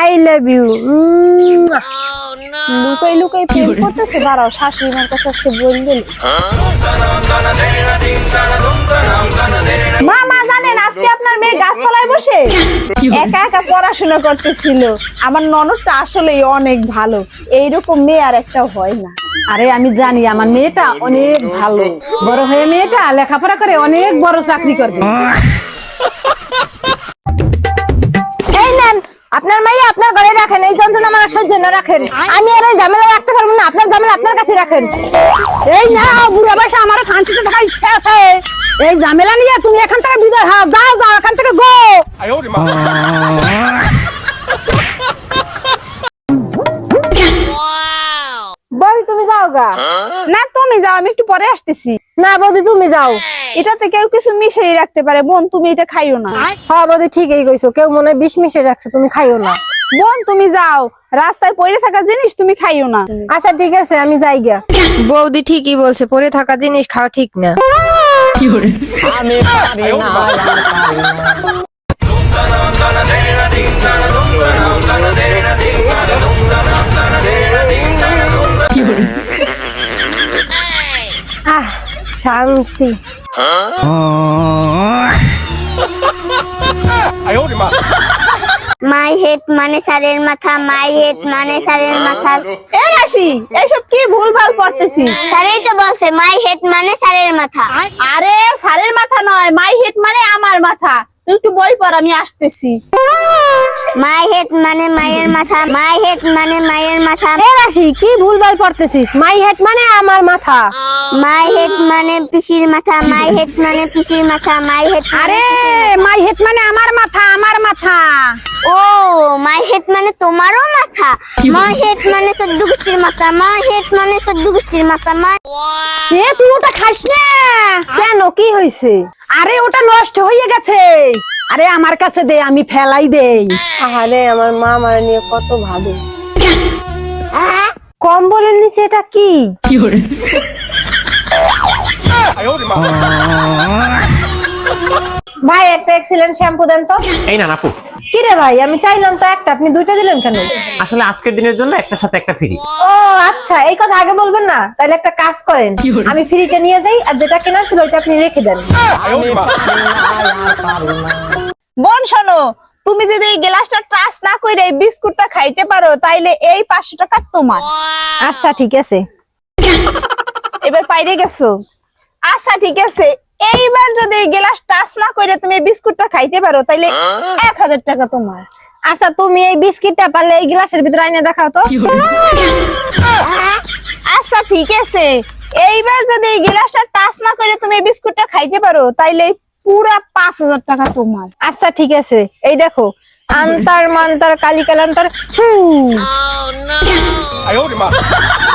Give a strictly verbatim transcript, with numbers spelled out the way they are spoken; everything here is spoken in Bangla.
I love you. লুকাই লুকাই প্রেম করতেছে, দাঁড়াও শাশুড়ি মার কাছে আজকে বলবে। মা মা জানেন আজকে আপনার মেয়ে গাছতলায় বসে একা একা পড়াশোনা করতেছিল। আমার ননদটা আসলেই অনেক ভালো, এইরকম মেয়ে আর একটা হয় না। আরে আমি জানি আমার মেয়েটা অনেক ভালো, বড় হয়ে মেয়েটা লেখাপড়া করে অনেক বড় চাকরি করবে। এই নেন আপনার মাইয়া আপনার ঘরে রাখেন, এই যন্ত্রণা আমার সহ্য না রাখেন। আমি আর এই ঝামেলা রাখতে পারবো না, আপনার ঝামেলা আপনার কাছে রাখেন। এই না বুড়া বয়সে আমার শান্তিতে থাকার ইচ্ছা আছে, এই ঝামেলা নিয়ে তুমি এখান থেকে বিদায় হও, যাও যাও এখান থেকে গো। বৌদি তুমি যাও গা। না তুমি যাও, আমি একটু পরে আসতেছি। না বৌদি তুমি যাও, এটাতে কেউ কিছু মিশিয়ে রাখতে পারে। বোন তুমি এটা খাইও না। হ্যাঁ বৌদি ঠিকই কইছো, কেউ মনে হয় বিষ মিশিয়ে রাখছে, তুমি খাইও না। বোন তুমি যাও, রাস্তায় পড়ে থাকা জিনিস তুমি খাইও না। আচ্ছা ঠিক আছে আমি যাই গা। বৌদি ঠিকই বলছে, পরে থাকা জিনিস খাওয়া ঠিক না। আমি পারি না, আহ শান্তি। মাই হেড মানে সারের মাথা, মাই হেড মানে সারের মাথা। এ রাশি, এইসব কি ভুল ভাল করতেছিস? স্যারই তো বলছে মাই হেড মানে সারের মাথা। আরে সারের মাথা নয়, মাই হেড মানে আমার মাথা। তুই একটু বই পড়, আমি আসতেছি। মাই হেড মানে মায়ের মাথা, মাই হেড মানে মায়ের মাথা। এ রাশি কি ভুলভাল পড়তেছিস? মাই হেড মানে আমার মাথা। মাই হেড মানে পিসির মাথা, মাই হেড মানে পিসির মাথা, মাই হেড। আরে মাই হেড মানে আমার মাথা, আমার মাথা। ও মাই হেড মানে তোমারও মাথা। মাই হেড মানে চোদ্দ গোষ্ঠীর মাথা, মাই হেড মানে চোদ্দ গোষ্ঠীর মাথা। মাই এ তুই ওটা খাস না কেন, কি হয়েছে? আরে ওটা নষ্ট হয়ে গেছে। আরে আমার কাছে দে, আমি ফেলাই দেই। আরে আমার মা আমার নিয়ে কত ভালো। কম বলেন নিচে এটা কি? ভাই একটা এক্সিলেন্ট শ্যাম্পু দেন তো। এই না আপু, কি রে ভাই, আমি চাইলাম তো একটা, আপনি দুইটা দিলেন কেন? আসলে আজকের দিনের জন্য একটার সাথে একটা ফ্রি। ও আচ্ছা, এই কথা আগে বলবেন না। তাহলে একটা কাজ করেন, আমি ফ্রিটা নিয়ে যাই, আর যেটা কেনার ছিল ওইটা আপনি রেখে দেন। আমি পারি না, আর পারি না। বোন শোনো, তুমি যদি এই গ্লাসটা টাচ না করে এই বিস্কুটটা খাইতে পারো, তাইলে এই পাঁচশো টাকা তোমার। আচ্ছা ঠিক আছে। এবার পাইরে গেছো। আচ্ছা ঠিক আছে, এইবার যদি এই গ্লাস টাচ না করে তুমি এই বিস্কুটটা খাইতে পারো, তাইলে এক হাজার টাকা তোমার। আচ্ছা তুমি এই বিস্কিটটা পারলে এই গ্লাসের ভিতরে আইনে দেখাও তো। আচ্ছা ঠিক আছে, এইবার যদি এই গ্লাসটা টাচ না করে তুমি এই বিস্কুটটা খাইতে পারো, তাইলে পুরা পাঁচ হাজার টাকা তোমার। আচ্ছা ঠিক আছে, এই দেখো আন্তার মান্তার কালিকালান্তার ফু।